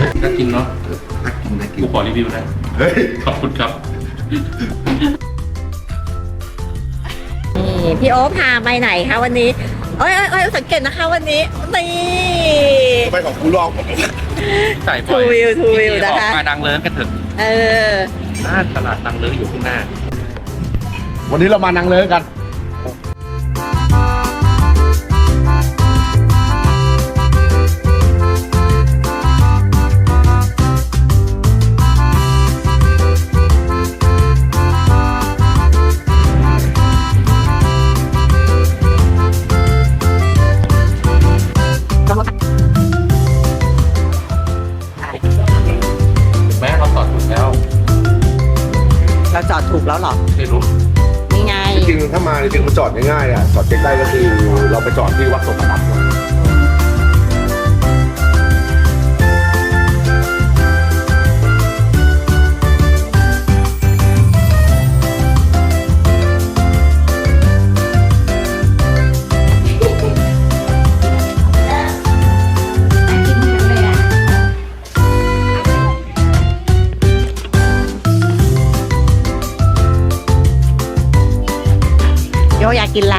น่ากินเนาะน่ากินน่ากินกูขอรีวิวนะเฮ้ยขอบคุณครับนี่พี่โอ๊คพาไปไหนคะวันนี้เอ้ยสังเกตนะคะวันนี้นี่ไปของกูลองใส่บ่อยทูวิวนะคะมานางเลิ้งกันเถอะหน้าตลาดนางเลิ้งอยู่ข้างหน้าวันนี้เรามานางเลิ้งกันเราจอดถูกแล้วเหรอไม่รู้นี่ไงจริงๆถ้ามาจริงๆมันจอดง่ายๆอ่ะจอดใกล้ๆก็คือเราไปจอดที่วัดสมบัติอยากกินอะไร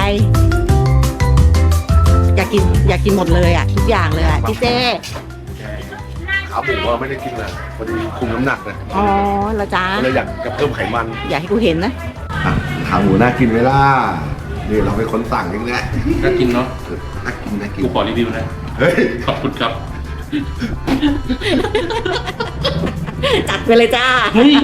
อยากกินหมดเลยอ่ะทุกอย่างเลยอ่ะพี่เจ้ขาหมูว่าไม่ได้กินเลยพอดีคุมน้ำหนักเลยอ๋อละจ้าเลยอยากจะเพิ่มไขมันอยากให้กูเห็นนะขาหมูน่ากินไหมล่ะนี่เราเป็นคนสั่งเองแหละน่ากินเนาะน่ากินกูขอรีวิวนะเฮ้ยขอบคุณครับจัดไปเลยจ้าเฮ้ย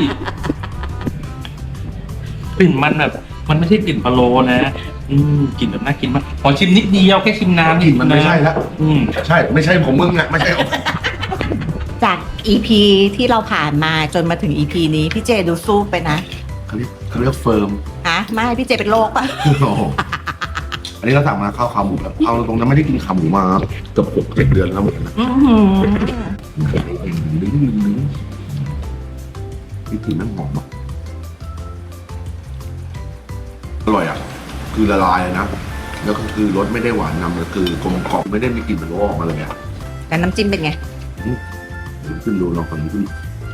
กลิ่นมันแบบมันไม่ใช่กลิ่นพะโล้นะกลิ่นแบบน่ากินมากขอชิมนิดเดียวแค่ชิมน้ำกลิ่นมันไม่ใช่แล้วใช่ไม่ใช่ของมึงอ่ะไม่ใช่จาก EP ที่เราผ่านมาจนมาถึง EP นี้พี่เจดูสู้ไปนะเขาเรียกเฟิร์มไม่พี่เจเป็นโรคป่ะอันนี้เราสั่งมาข้าวขาหมูแบบเอาตรงนั้นไม่ได้กินขาหมูมาเกือบ6-7 เดือนแล้วเหมือนกันนะนี่กลิ่นมันหอมอ่ะอร่อยอ่ะคือละลายนะแล้วก็คือรสไม่ได้หวานนำเลยคือกลมกล่อมไม่ได้มีกลิ่นมันออกมาเลยอ่ะแต่น้ำจิ้มเป็นไงขึ้นดูลองก่อนขึ้น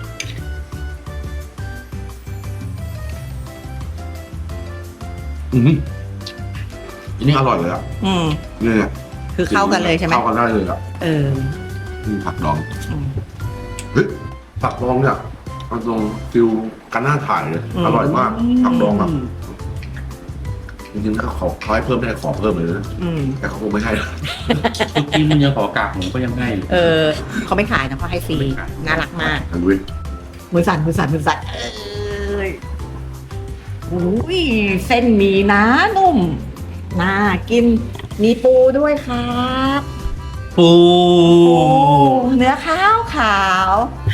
อันนี้อร่อยเลยอ่ะเนี่ยคือเข้ากันเลยใช่ไหมเข้ากันได้เลยอ่ะผักดองเฮ้ยผักดองเนี่ยมันตรงฟิลกันหน้าถ่ายเลยอร่อยมากผักดองแบบจริงๆเขาให้เพิ่มได้ขอเพิ่มเลยนะแต่เขาคงไม่ให้ทุกทีมันยังขอกากหมูก็ยังให้เขาไม่ขายนะเขาให้ฟรีน่ารักมากมือสั่นอุ้ยเส้นหมี่นะนุ่มน่ากินมีปูด้วยครับปูเนื้อขาว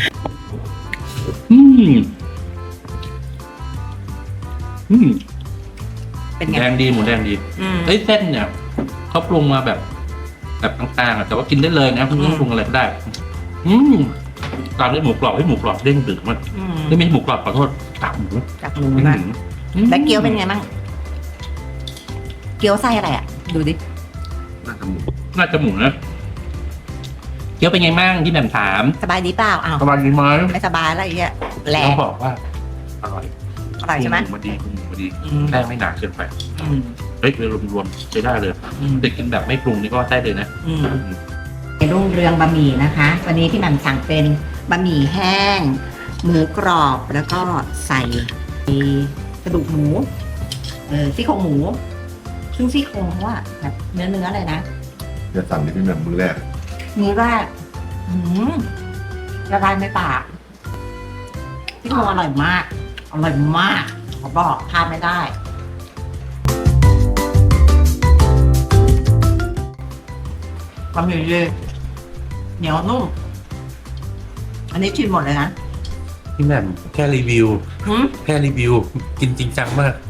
เป็นไงแดงดีหมูแดงดีเส้นเนี่ยเขาปรุงมาแบบต่างๆแต่ว่ากินได้เลยนะไม่ต้องปรุงอะไรก็ได้ตามด้วยหมูกรอบให้หมูกรอบเด้งดึกมากไม่มีหมูกรอบขอโทษกากหมูนะแล้วเกี๊ยวเป็นไงบ้างเกี๊ยวไส้อะไรอ่ะดูดิน่าจะหมูนะเกี๊ยวเป็นไงบ้างที่แหม่มถามสบายดีเปล่าสบายดีไหมไม่สบายอะไรอย่างเงี้ยแหละต้องบอกว่าอร่อยใช่ไหมมาดีแป้งไม่หนาเกินไปเฮ้ยรวมใช้ได้เลยแต่กินแบบไม่ปรุงนี่ก็ได้เลยนะรุ่งเรืองบะหมี่นะคะวันนี้พี่แหม่มสั่งเป็นบะหมี่แห้งหมูกรอบแล้วก็ใส่กระดูกหมูซี่โครงหมูซึ่งซี่โครงเขาว่าแบบเนื้อเลยนะจะสั่งที่พี่แหม่มมือแรกละลายในปากซี่โครงอร่อยมากขอบอกพลาดไม่ได้บะหมี่เย็นเหนียวนุ่มอันนี้ชิมหมดเลยนะพี่แหม่มแค่รีวิวกินจริงจังมาก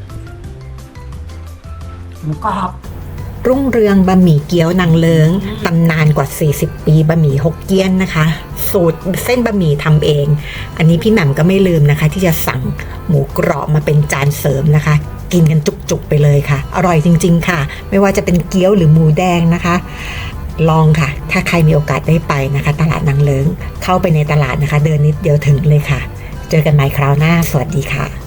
หมูกรอบรุ่งเรืองบะหมี่เกี๊ยวนางเลิ้งตำนานกว่า40 ปีบะหมี่ฮกเกี้ยนนะคะสูตรเส้นบะหมี่ทำเองอันนี้พี่แหม่มก็ไม่ลืมนะคะที่จะสั่งหมูกรอบมาเป็นจานเสริมนะคะกินกันจุกๆไปเลยค่ะอร่อยจริงๆค่ะไม่ว่าจะเป็นเกี๊ยวหรือหมูแดงนะคะลองค่ะถ้าใครมีโอกาสได้ไปนะคะตลาดนางเลิ้งเข้าไปในตลาดนะคะเดินนิดเดียวถึงเลยค่ะเจอกันใหม่คราวหน้าสวัสดีค่ะ